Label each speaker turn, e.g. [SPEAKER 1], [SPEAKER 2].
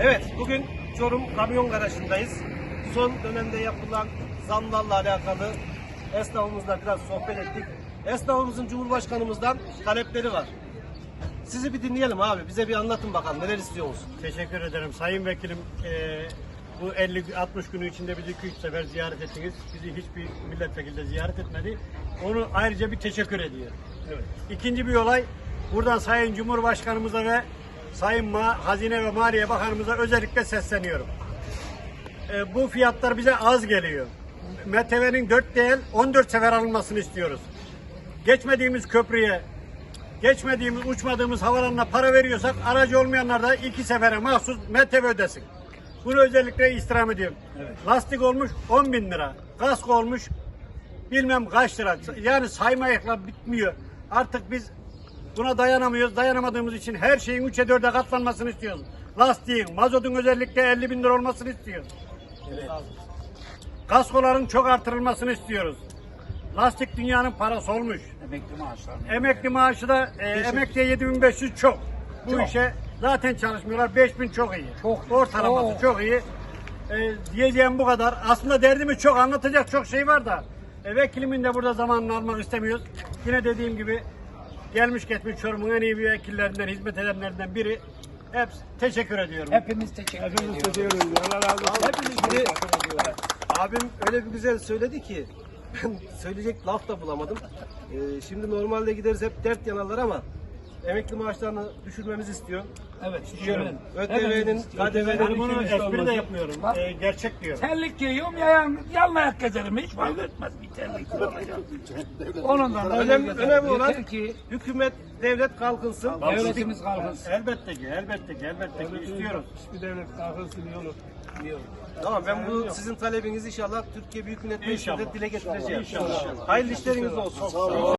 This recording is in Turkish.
[SPEAKER 1] Evet, bugün Çorum Kamyon Garajı'ndayız. Son dönemde yapılan zamlarla alakalı esnafımızla biraz sohbet ettik. Esnafımızın Cumhurbaşkanımızdan talepleri var. Sizi bir dinleyelim abi. Bize bir anlatın bakalım. Neler istiyorsunuz?
[SPEAKER 2] Teşekkür ederim. Sayın Vekilim, bu 50-60 günü içinde bizi 2-3 sefer ziyaret ettiniz. Bizi hiçbir milletvekili de ziyaret etmedi. Onu ayrıca bir teşekkür ediyorum.
[SPEAKER 1] Evet.
[SPEAKER 2] İkinci bir olay, buradan Sayın Cumhurbaşkanımıza ve Sayın Hazine ve Maliye Bakanımıza özellikle sesleniyorum. Bu fiyatlar bize az geliyor. MTV'nin 4 değil 14 sefer alınmasını istiyoruz. Geçmediğimiz köprüye, geçmediğimiz, uçmadığımız havalarına para veriyorsak aracı olmayanlar da 2 sefere mahsus MTV ödesin. Bunu özellikle istirham ediyorum.
[SPEAKER 1] Evet.
[SPEAKER 2] Lastik olmuş 10.000 lira. Kask olmuş bilmem kaç lira. Yani saymayakla bitmiyor. Artık biz buna dayanamıyoruz. Dayanamadığımız için her şeyin 3'e 4'e katlanmasını istiyoruz. Lastiğin, mazotun özellikle 50.000 lira olmasını istiyoruz.
[SPEAKER 1] Evet.
[SPEAKER 2] Kaskoların çok artırılmasını istiyoruz. Lastik dünyanın parası olmuş.
[SPEAKER 3] Emekli maaşları.
[SPEAKER 2] Emekli maaşı da emekliye 7.500 çok. Bu işe zaten çalışmıyorlar. 5.000 çok iyi.
[SPEAKER 3] Çok.
[SPEAKER 2] Ortalaması çok iyi. Diyeceğim bu kadar. Aslında derdimiz çok, anlatacak çok şey var da vekilimin de burada zamanını almak istemiyoruz. Yine dediğim gibi gelmiş geçmiş Çorum'un en iyi vekillerinden, hizmet edenlerinden biri. Hepsi teşekkür ediyorum.
[SPEAKER 3] Hepimiz teşekkür ediyoruz.
[SPEAKER 1] Şimdi abim öyle bir güzel söyledi ki ben söyleyecek laf da bulamadım. Şimdi normalde gideriz hep dert yanarlar ama emekli maaşlarını düşürmemizi istiyor.
[SPEAKER 3] Evet, istiyorum.
[SPEAKER 1] ÖTV'nin,
[SPEAKER 2] Ben
[SPEAKER 1] KDV'nin
[SPEAKER 2] bunu espri de yapmıyorum.
[SPEAKER 3] Bak.
[SPEAKER 2] Gerçek diyorum.
[SPEAKER 3] Terlik giyiyorum, yalın ayak gezerim. Hiç fark etmez bir terlik olacak. Onundan da
[SPEAKER 1] önemli olan
[SPEAKER 3] yeter ki
[SPEAKER 1] hükümet, devlet kalkınsın.
[SPEAKER 3] devletimiz kalkınsın.
[SPEAKER 2] Elbette ki istiyoruz.
[SPEAKER 1] Tamam, ben bu sizin talebinizi inşallah Türkiye Büyük Millet Meclisi'nde
[SPEAKER 2] İnşallah.
[SPEAKER 1] dile getireceğim.
[SPEAKER 2] İnşallah.
[SPEAKER 1] Hayırlı işleriniz olsun.